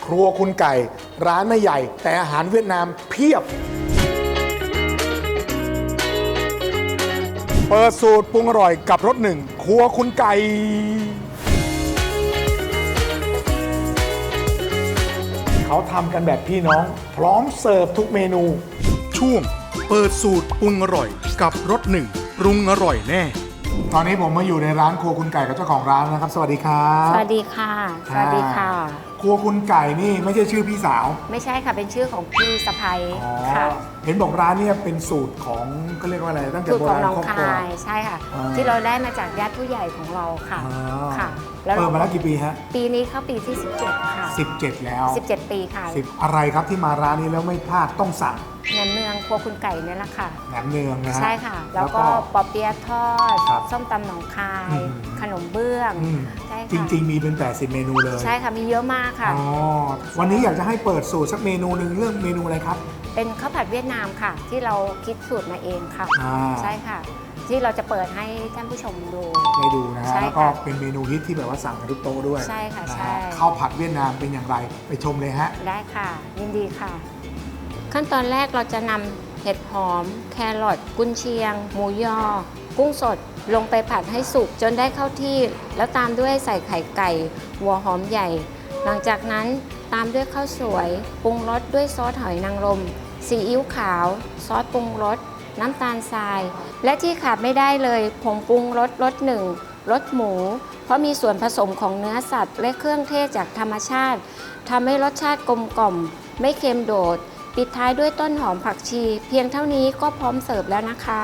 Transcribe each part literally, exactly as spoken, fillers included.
รัวคุณไก่ร้านไม่ใหญ่แต่อาหารเวียดนามเพียบเปิดสูตรปรุงอร่อยกับรสหนึ่งครัวคุณไก่เขาทำกันแบบพี่น้องพร้อมเสิร์ฟทุกเมนูช่วงเปิดสูตรปรุงอร่อยกับรสหนึ่งปรุงอร่อยแน่ตอนนี้ผมมาอยู่ในร้านครัวคุณไก่กับเจ้าของร้านนะครับสวัสดีครับสวัสดีค่ะสวัสดีค่ะครัวคุณไก่นี่ไม่ใช่ชื่อพี่สาวไม่ใช่ค่ะเป็นชื่อของพี่สะใภ้ค่ะเห็นบอกร้านนี้เป็นสูตรของก็เรียกว่าอะไรตั้งแต่โบราณครอบครัวใช่ค่ะที่เราได้มาจากญาติผู้ใหญ่ของเราค่ะค่ะแล้วเปิดมาแล้วกี่ปีฮะปีนี้เข้าปีที่สิบเจ็ดค่ะสิบเจ็ดแล้วสิบเจ็ดปีค่ะสิบอะไรครับที่มาร้านนี้แล้วไม่พลาดต้องสั่งแหนมเนืองครัวคุณไก่เนี่ยแหละค่ะแหนมเนืองนะใช่ค่ะแล้วก็ปอเปี๊ยะทอดส้มตำหนองคายขนมเบื้องใช่ค่ะจริงๆมีเป็นแปดสิบเมนูเลยใช่ค่ะมีเยอะมากค่ะอ๋อวันนี้อยากจะให้เปิดสูตรสักเมนูหนึ่งเรื่องเมนูอะไรครับเป็นข้าวผัดเวียดนามค่ะที่เราคิดสูตรมาเองค่ะใช่ค่ะที่เราจะเปิดให้ท่านผู้ชมดูได้ดูนะฮะแล้วก็เป็นเมนูฮิตที่แบบว่าสั่งกันทุกโต๊ะด้วยใช่ค่ะใช่ข้าวผัดเวียดนามเป็นอย่างไรไปชมเลยฮะได้ค่ะยินดีค่ะขั้นตอนแรกเราจะนำเห็ดหอมแครอทกุนเชียงหมูยอกุ้งสดลงไปผัดให้สุกจนได้เข้าที่แล้วตามด้วยใส่ไข่ไก่หัวหอมใหญ่หลังจากนั้นตามด้วยข้าวสวยปรุงรสด้วยซอสหอยนางรมซีอิ๊วขาวซอสปรุงรสน้ำตาลทรายและที่ขาดไม่ได้เลยผงปรุงรสรสหนึ่งรสหมูเพราะมีส่วนผสมของเนื้อสัตว์และเครื่องเทศจากธรรมชาติทำให้รสชาติกลมกล่อมไม่เค็มโดดปิดท้ายด้วยต้นหอมผักชีเพียงเท่านี้ก็พร้อมเสิร์ฟแล้วนะคะ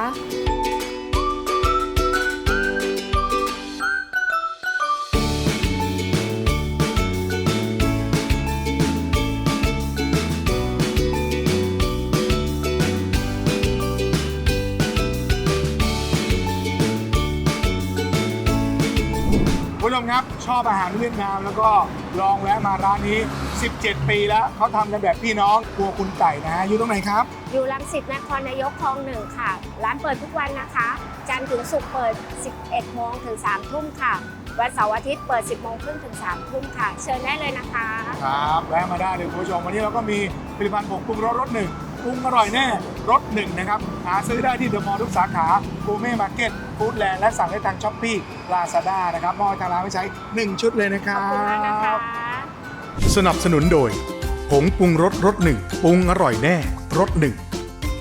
ผู้ชมครับชอบอาหารเวียดนามแล้วก็ลองแวะมาร้านนี้สิบเจ็ดปีแล้วเขาทำกันแบบพี่น้องครัวคุณไก่นะฮะอยู่ตรงไหนครับอยู่รังสิตนครนายกคลองหนึ่งค่ะร้านเปิดทุกวันนะคะจันทร์ถึงศุกร์เปิดสิบเอ็ดโมงถึงสามทุ่มค่ะวันเสาร์อาทิตย์เปิดสิบโมงครึ่งถึงสามทุ่มค่ะเชิญได้เลยนะคะครับแวะมาได้เลยคุณผู้ชมวันนี้เราก็มีผลิตภัณฑ์ผงปรุงรสรสหนึ่งปรุงอร่อยแน่รสหนึ่งนะครับหาซื้อได้ที่เดอะมอลล์ทุกสาขากูเม่มาร์เก็ตฟู้ดแลนด์และสั่งได้ทางช้อปปี้ลาซาด้านะครับมอบทางร้านไว้ใช้หนึ่งชุดเลยนะครับขอบคุณมากนะคะสนับสนุนโดยผงปรุงรสรสหนึ่งปรุงอร่อยแน่รสหนึ่ง